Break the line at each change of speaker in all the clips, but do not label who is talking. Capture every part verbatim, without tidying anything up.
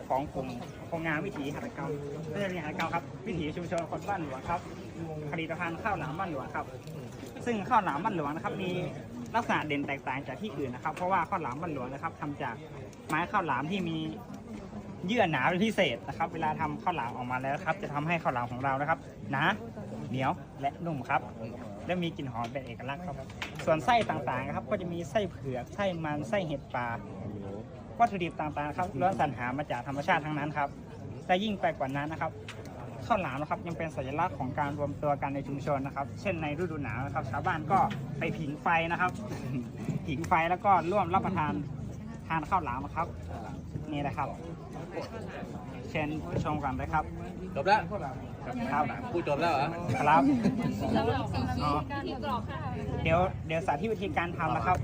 ของกลุ่มโครงงานวิถีหัตถกรรมไม่ใช่วิถีหัตถกรรมครับวิถีชุมชนคนบ้านหลวงครับผลิตภัณฑ์ข้าวหลามบ้านหลวงครับซึ่งข้าวหลามบ้านหลวงนะครับมีลักษณะเด่นแตกต่างจากที่อื่นนะครับเพราะว่าข้าวหลามบ้านหลวงนะครับทำจากไม้ข้าวหลามที่มีเยื่อหนาเป็นพิเศษนะครับเวลาทำข้าวหลามออกมาแล้วครับจะทำให้ข้าวหลามของเรานะครับหนาเหนียวและนุ่มครับและมีกลิ่นหอมเป็นเอกลักษณ์ครับส่วนไส้ต่างๆครับก็จะมีไส้เผือกไส้มันไส้เห็ดป่าวัตถุดิบต่างๆครับล้วนสรรหามาจากธรรมชาติทั้งนั้นครับและยิ่งไปกว่านั้นนะครับข้าวหลามนะครับยังเป็นสัญลักษณ์ของการรวมตัวกันในชุมชนนะครับเช่นในฤดูหนาวนะครับชาวบ้านก็ไปผิงไฟนะครับ ผิงไฟแล้วก็ร่วมรับประทานทานข้าวหลามครับนี่นะครับเชิญชมกันเลยครับ
จบแล้ว
ครับ
พูดจบแล้วเหรอ
ครับ
สำหรับสิ่ง
อ๋อ
ที่กรอกค่ะ
เดี๋ยวเดี๋ยวสาธิตวิธีการทำนะครับ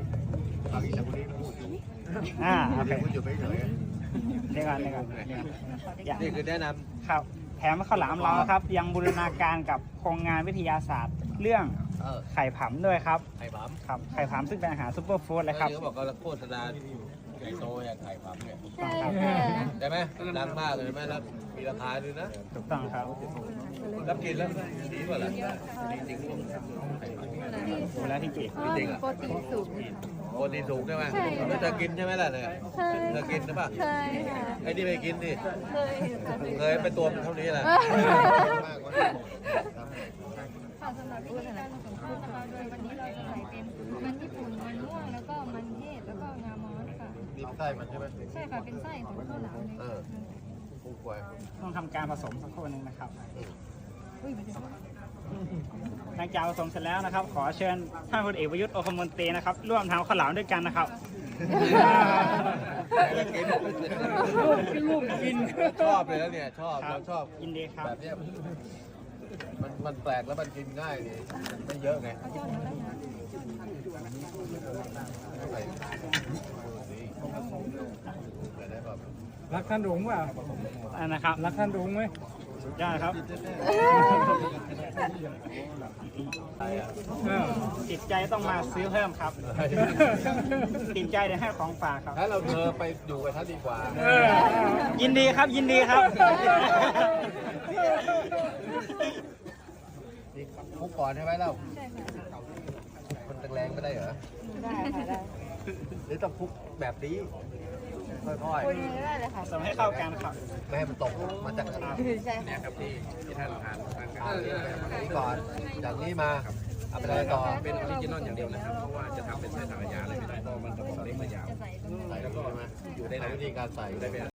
อ่าโอเคเดี๋ยวก่อนเดี๋ยวก่อนเดี๋ยวก่อนอย่า
นี่คือแนะน
ครับแถมข้าวหลามเราครับยังบูรณาการกับโครงงานวิทยาศาสตร์ เรื่อง
ำเออ
ไข่ผำด้วยครับ
ไข่ผำ
ครับไข่ผำซึ่งเป็นอาหารซุปเปอร์ฟู้ดเลยครับ
เขาบอกว่าโฆษณาใหญ่โตอย่างไข่ผำเนี่ย
ใช่ค่ะ
ใช่ไหมดังมากเลยไหมแล้วมีราคาด้วยนะ
ถูกต้องครับ
รับกินแล้วดีกว่าล่ะดีจริงลูก
ดูแลที่จี
จริงอ่ะ
โปรตีนสูง
โปรตีนสูงใช่ไหม
ใช่ค่ะ
แล้วเธอกินใช่ไหมล่ะเนี่ย
ใช่
เธอกินหรือเปล่า
ใช่ค่ะ
ไอ้นี่ไม่กินดิ
เคยค่ะ
เคยไปตัวมันเท่านี้แหละ
ค่ะสำหรับวิธีการผสมข้าวนะคะโดยวันนี้เราจะใส่เป็นมันญี่ปุ่นมันม่วงแล้วก็มันเทศแล้วก็งามอสค่ะ
มีไส้มันใช่ไหม
ใช่ค่ะเป็นไส้ของข้าวหลามเลย
เออผู้ป่วย
ต้องทำการผสมสักครู่หนึงนะครับ
อุ้ยมันจะ
หลังจากผสมเสร็จแล้วนะครับ ขอเชิญท่านพลเอกประยุทธ์โอคมนตรีนะครับร่วมทำข้าวหลามด้วยกันนะครับ
กินลูกกินชอบเลยแล้วเนี่ยชอบเราชอบ
ยินดีครับ
แบบเนี้ยมันมันแปลกแล้วมันกินง่ายนี่มันไม่เยอะไงใส่ได้แบบ
รักท่านหลวงเปล่า
อันนะครับ
รักท่านหลวงไหม
สุดยอดครับ
ใช่อะ
เออ
ติดใจต้องมาซื้อเพิ่มครับ ติดใจเดี๋ยวให้ของฝากครับ
ถ้าเราเธอไปอยู่กับท่านดีกว่า
เออ
ยินดีครับยินดีครับ
นี่คุกก่อนใช่ไหมเล่า
ใช่ค่ะ
มันแรงๆไม่ได้เหรอ
ได้ค่ะได้
หรือต้องคุกแบบนี้ค่อย
คุยได้เลยค่ะ
ผสมให้เข้ากันครับ
ๆไม่ให้มันตกมาจากกระดาษ
ใช่ค่ะ
ครับที่ที่ท่านทานทานกันนี้ก่อนจากนี้มาเอาไปอะไรต่อ
เป็นออริจินอลอย่างเดียวนะครับ
เพราะว่าจะทำเป็นไส้สังขยาอะไรไม่ได้เพราะมันกระบอกเล็กมายาว
จะใส่ตรงนี้
ใส่แล้วก็มาอยู่ในวิธีการใส่ได้ไหม